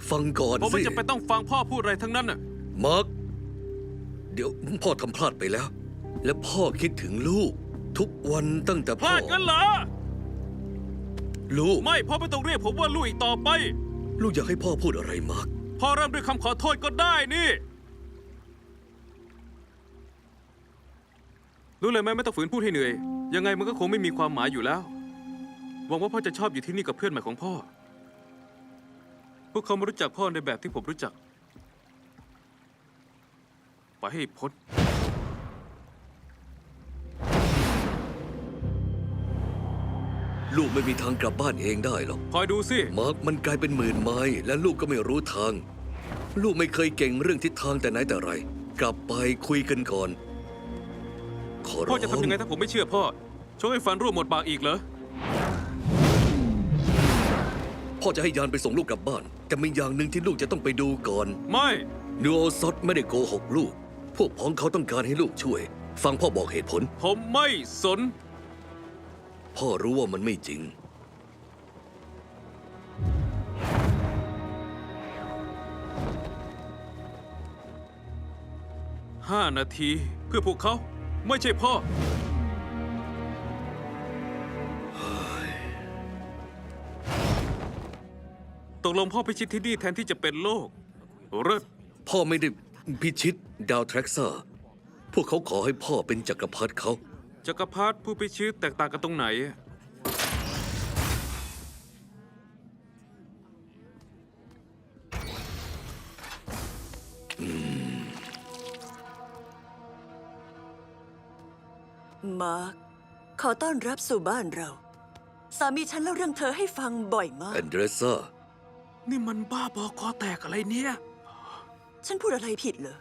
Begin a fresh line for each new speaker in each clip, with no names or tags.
ฟังก่อนสิ
ผมไม่จำเป็นต้องฟังพ่อพูดอะไรทั้งนั้นน่ะ
มาร์คเดี๋ยวพ่อทำพลาดไปแล้ว และพ่อคิดถึงลูก ทุกวันตั้งแต่
พ
พ่อ
ลาดกันเหรอ
ลูก
ไม่พ่อไม่ต้องเรียกผมว่าลูกอีกต่อไป
ลูกอยากให้พ่อพูดอะไรมาร์ค
พ่อเริ่มด้วยคำขอโทษก็ได้นี่รู้เลยไหมไม่ต้องฝืนพูดให้เหนื่อยยังไงมันก็คงไม่มีความหมายอยู่แล้วหวังว่าพ่อจะชอบอยู่ที่นี่กับเพื่อนใหม่ของพ่อพวกเขามารู้จักพ่อในแบบที่ผมรู้จักไปให้พ้น
ลูกไม่มีทางกลับบ้านเองได้หรอก
คอยดูสิ
มาร์คมันไกลเป็นหมื่นไม้และลูกก็ไม่รู้ทาง ลูกไม่เคยเก่งเรื่องทิศทางแต่ไหนแต่ไร กลับไปคุยกันก่อน ขอร้อง
พ่อจะทำยังไงถ้าผมไม่เชื่อพ่อชกให้ฟันร่วงหมดปากอีกเหรอ
พ่อจะให้ยานไปส่งลูกกลับบ้าน แต่มีอย่างหนึ่งที่ลูกจะต้องไปดูก่อน
ไม่
นูโอซอตไม่ได้โกหกลูก พวกพ้องเขาต้องการให้ลูกช่วย ฟังพ่อบอกเหตุผล
ผมไม่สน
พ่อรู้ว่ามันไม่จริง
5 นาทีเพื่อพวกเขาไม่ใช่พ่อ ตกลงพ่อพิชิตที่นี่แทนที่จะเป็นโลกเลิศ
พ่อไม่ได้พิชิตดาวแทร็กซ่า พวกเขาขอให้พ่อเป็นจักรพรรดิเขา
จักรพรรดิผู้พิชิตแตกต่างกันตรงไหน
มาร์คขอต้อนรับสู่บ้านเรา สามีฉันเล่าเรื่องเธอให้ฟังบ่อยมาก
แอนเดรซ่า
นี่มันบ้าบอคอแตกอะไรเนี่ย
ฉันพูดอะไรผิดเหรอ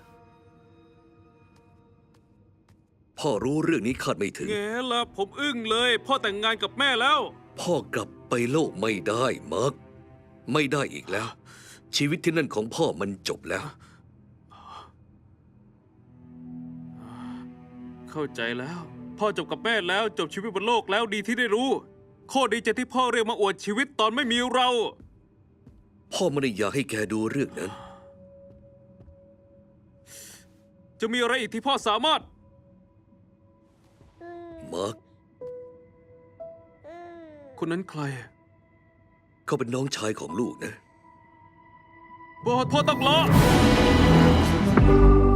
พ่อรู้เรื่องนี้คาดไม่ถึง
แง่ละผมอึ้งเลย พ่อแต่งงานกับแม่แล้ว
พ่อกลับไปโลกไม่ได้มาร์คไม่ได้อีกแล้ว ชีวิตที่นั่นของพ่อมันจบแล้ว
เข้าใจแล้ว พ่อจบกับแม่แล้วจบชีวิตบนโลกแล้วดีที่ได้รู้โคตรดีใจที่พ่อเรียกมาอวดชีวิตตอนไม่มีเรา
พ่อไม่ได้อยากให้แกดูเรื่องนั้น
จะมีอะไรอีกที่พ่อสามารถ
มาร์ค
คนนั้นใคร
เขาเป็นน้องชายของลูกนะ
พ่อต้องรอ